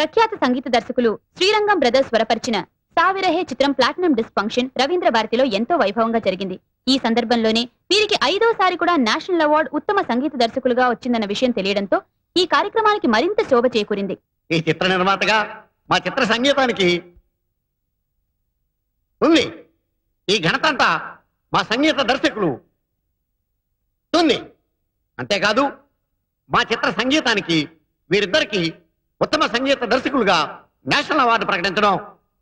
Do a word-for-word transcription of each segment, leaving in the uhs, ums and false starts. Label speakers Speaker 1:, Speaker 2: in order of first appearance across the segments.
Speaker 1: ప్రఖ్యాత సంగీత దర్శకులు శ్రీరంగం బ్రదర్స్ స్వరపరిచిన సావిరహే చిత్రం ప్లాటినం డిస్క్ ఫంక్షన్ రవీంద్ర భారతిలో ఎంతో వైభవంగా జరిగింది. ఈ సందర్భంలోనే వీరికి ఐదోసారి కూడా నేషనల్ అవార్డు ఉత్తమ సంగీత దర్శకులుగా వచ్చిందన్న విషయం తెలియడంతో ఈ కార్యక్రమానికి మరింత శోభ చేకూరింది.
Speaker 2: ఈ చిత్ర నిర్మాతగా మా చిత్ర సంగీతానికి ఉంది. ఈ ఘనత అంతా మా సంగీత దర్శకులు ఉంది. అంతేకాదు మా చిత్ర సంగీతానికి వీరిద్దరికి ఉత్తమ సంగీత దర్శకులుగా నేషనల్ అవార్డు ప్రకటించడం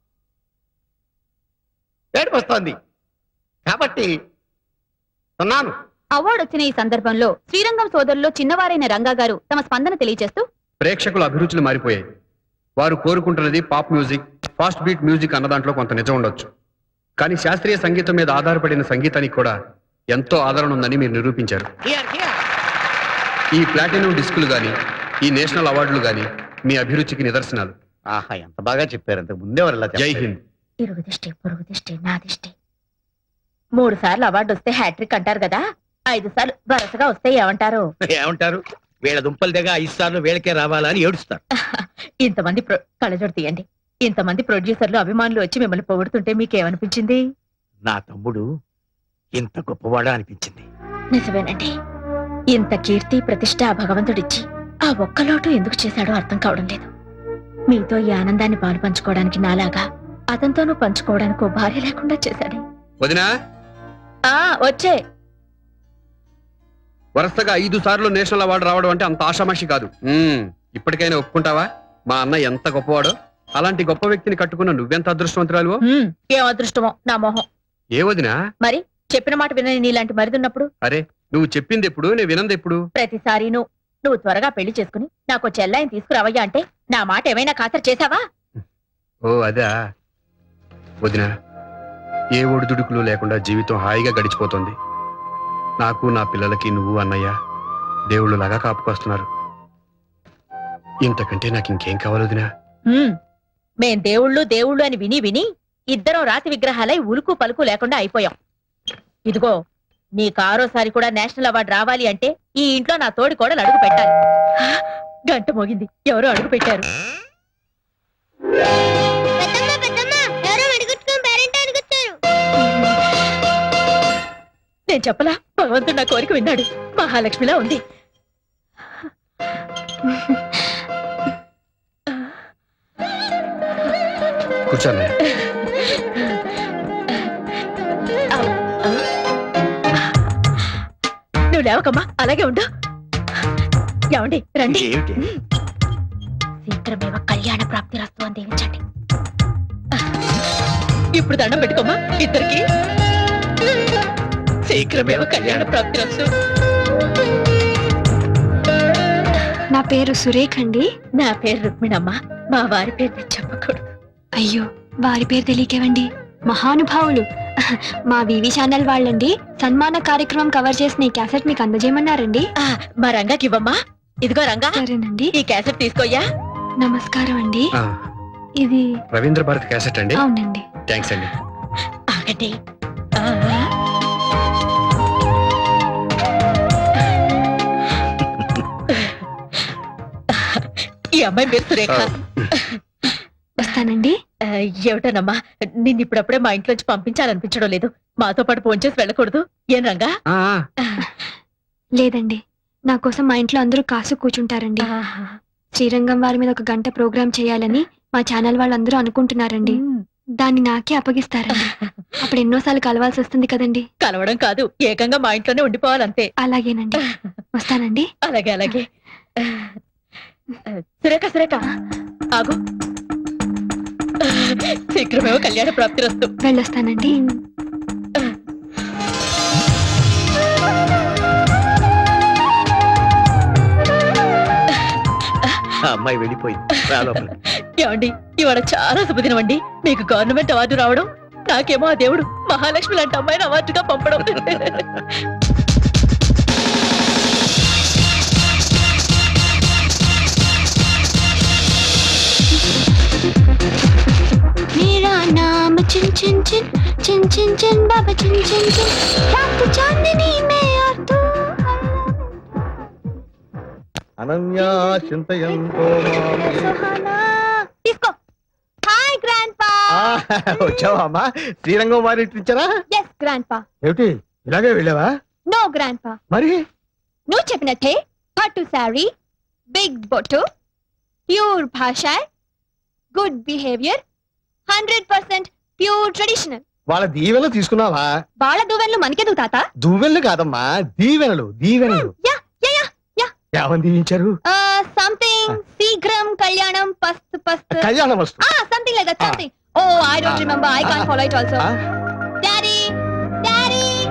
Speaker 2: ఏడుపు వస్తోంది. కాబట్టి ఉన్నాను.
Speaker 1: అవార్డు వచ్చిన ఈ సందర్భంలో శ్రీరంగం సోదరులో చిన్నవారైన రంగా గారు తమ స్పందన తెలియజేస్తూ,
Speaker 3: ప్రేక్షకుల అభిరుచులు మారిపోయాయి. వారు కోరుకుంటున్నది pop music, fast beat music అన్న దాంట్లో కొంత నిజం ఉండొచ్చు. కానీ శాస్త్రీయ సంగీతం మీద ఆధారపడిన సంగీతానికి కూడా ఎంతో ఆదరణ ఉందని మీరు నిరూపించారు. ఈ ప్లాటినం డిస్కులు గాని, ఈ నేషనల్ అవార్డులు గాని మీ అభిరుచికి నిదర్శనాలు.
Speaker 2: ఆహా, ఎంత బాగా చెప్పారు. అంతకు ముందే
Speaker 3: జై హింద్.
Speaker 4: ఇరుగు దిష్టి, పొరుగు దిష్టి, నా దిష్టి. మూడు సార్లు అవార్డు వస్తే హ్యాట్రిక్ అంటారు కదా, ఐదు సార్లు వరుసగా వస్తే ఏమంటారు?
Speaker 2: ఏమంటారు? వీళ్ళ దుంపల దగ్గర ఐదు సార్లు వీళ్ళకే రావాలని ఏడుస్తారు.
Speaker 4: ఇంతమంది కళ్ళజోడు తీయండి. ఇంతమంది ప్రొడ్యూసర్లు అభిమానులు వచ్చి మిమ్మల్ని పొగుడుతుంటే మీకేమనిపించింది?
Speaker 2: నా తమ్ముడు ఇంత గొప్పవాడా అనిపించింది.
Speaker 4: నిజమేనండి. ఇంత కీర్తి ప్రతిష్ట ఆ భగవంతుడిచ్చి ఆ ఒక్క లోటు ఎందుకు చేశాడో అర్థం కావడం లేదు. మీతో ఈ ఆనందాన్ని పాలు పంచుకోవడానికి నాలాగా అతనితోనూ పంచుకోవడానికి ఓ భార్య లేకుండా చేశాడే.
Speaker 3: వదినా,
Speaker 4: ఆ వచ్చే
Speaker 3: వరుసగా ఐదు సార్లు నేషనల్ అవార్డు రావడం అంటే అంత ఆషామాషి కాదు. ఇప్పటికైనా ఒప్పుకుంటావా మా అన్న ఎంత గొప్పవాడో? అలాంటి గొప్ప వ్యక్తిని కట్టుకున్న నువ్వెంత అదృష్టవంతురాలు.
Speaker 4: ఏం అదృష్టమో నా మొహం.
Speaker 3: ఏ వదినా?
Speaker 4: మరి చెప్పిన మాట వినని నీలాంటి మరిదున్నప్పుడు?
Speaker 3: అరే, నువ్వు చెప్పింది ఎప్పుడు, నేను వినంది ఎప్పుడు?
Speaker 4: ప్రతిసారి నువ్వు నువ్వు త్వరగా పెళ్లి చేసుకుని నాకు చెల్లాయిని తీసుకురావయ్యా అంటే నా మాట ఏమైనా ఖాతరు చేశావా?
Speaker 3: ఓ అదా వదినా, ఏ ఒడిదుడుకులు లేకుండా జీవితం హాయిగా గడిచిపోతుంది. నాకు నా పిల్లలకి నువ్వు అన్నయ్య దేవుళ్ళు లాగా కాపుకొస్తున్నారు. ఇంతకంటే నాకు ఇంకేం కావాలి వదినా?
Speaker 4: మేం దేవుళ్ళు దేవుళ్ళు అని విని విని ఇద్దరం రాతి విగ్రహాలై ఉలుకు పలుకు లేకుండా అయిపోయాం. ఇదిగో నీకు ఆరోసారి కూడా నేషనల్ అవార్డు రావాలి అంటే ఈ ఇంట్లో నా తోడి కూడా అడుగు పెట్టాలి. గంట మోగింది, ఎవరో అడుగు పెట్టారు. నేను చెప్పలా, భగవంతుడు నా కోరిక విన్నాడు. మహాలక్ష్మిలా ఉంది.
Speaker 3: కూర్చోండి.
Speaker 4: నువ్వు లేవకమ్మా, అలాగే ఉండు. ఏమండి రండి. శీఘ్రమేవ కళ్యాణ ప్రాప్తి రస్తు అని దీవించండి. ఇప్పుడు దండం పెట్టుకోమ్మా ఇద్దరికి. శీఘ్రమేవ కళ్యాణ ప్రాప్తి రస్తు.
Speaker 5: నా పేరు సురేఖ అండి.
Speaker 4: నా పేరు రుక్మిణమ్మ. మా వారి పేరు నేను చెప్పకూడదు.
Speaker 5: అయ్యో, వారి పేరు తెలియకేవండి. మహానుభావులు మా వివి ఛానల్ వాళ్ళండి. సన్మాన కార్యక్రమం కవర్ చేసిన ఈ క్యాసెట్ మీకు అందజేయమన్నారండి.
Speaker 4: మా రంగాకి ఇవ్వమ్మా. ఇదిగో రంగా.
Speaker 5: సరేనండి,
Speaker 4: ఈ క్యాసెట్ తీసుకోయ్యా.
Speaker 5: నమస్కారం అండి. ఇది
Speaker 3: రవీంద్ర భారతి క్యాసెట్ అండి?
Speaker 5: అవునండి.
Speaker 3: థ్యాంక్స్ అండి.
Speaker 4: ఆగండి. ఈ అమ్మాయి పేరు సురేఖ.
Speaker 5: వస్తానండి.
Speaker 4: ఏమిటోనమ్మా, నిన్ను ఇప్పుడప్పుడే మా ఇంట్లోంచి పంపించాలనిపించడం లేదు. మాతో పాటు ఫోన్ చేసి వెళ్ళకూడదు ఏం రంగా?
Speaker 5: లేదండి, నా కోసం మా ఇంట్లో అందరూ కాసు కూర్చుంటారండి. శ్రీరంగం వారి మీద ఒక గంట ప్రోగ్రామ్ చేయాలని మా ఛానల్ వాళ్ళందరూ అనుకుంటున్నారండి. దాన్ని నాకే అప్పగిస్తారండి. అప్పుడు ఎన్నోసార్లు కలవాల్సి వస్తుంది కదండి.
Speaker 4: కలవడం కాదు, ఏకంగా మా ఇంట్లోనే ఉండిపోవాలంతే.
Speaker 5: అలాగేనండి, వస్తానండి.
Speaker 4: అలాగే అలాగే. సురేఖ సురేఖ ఆగు. శీఘ్రమేమో కళ్యాణ ప్రాప్తి రస్తు.
Speaker 5: వెళ్ళొస్తానండి.
Speaker 2: అమ్మాయి వెళ్ళిపోయింది.
Speaker 4: ఏమండి, ఇవాళ చాలా శుభదినం అండి. మీకు గవర్నమెంట్ అవార్డు రావడం, నాకేమో ఆ దేవుడు మహాలక్ష్మి లాంటి అమ్మాయిని అవార్డుగా పంపడం.
Speaker 5: मेरा नाम चिन चिन चिन चिन चिन चिन बाबा चिन चिन चिन रात चांदनी में और तू
Speaker 2: అనన్యా చింతయంతో
Speaker 5: सुहाना
Speaker 6: వచ్చావా అమ్మా? శ్రీరంగం వారి ఇచ్చారా?
Speaker 5: ఎస్ గ్రాండ్ పా.
Speaker 6: ఏమిటి ఇలాగే వెళ్ళావా?
Speaker 5: నో గ్రాండ్ పా.
Speaker 6: మరి
Speaker 5: నువ్వు చెప్పినట్టే పట్టు శారీ, బిగ్ బొట్టు, ప్యూర్ భాష, good behaviour, hundred percent pure traditional.
Speaker 6: వాళ్ళ దీవెనలు తీసుకున్నావా?
Speaker 5: వాళ్ళ దువ్వెన్లు మనకెందుకు తాత?
Speaker 6: దువ్వెనలు కాదమ్మా, దీవెనలు దీవెనలు.
Speaker 5: Yeah yeah yeah yeah.
Speaker 6: ఏమని దీవించారు?
Speaker 5: సంథింగ్ శీఘ్రం కళ్యాణం పస్త్ పస్త్
Speaker 6: కళ్యాణం వస్తుంది.
Speaker 5: Something like that. Something. Oh I don't remember. I can't follow it also.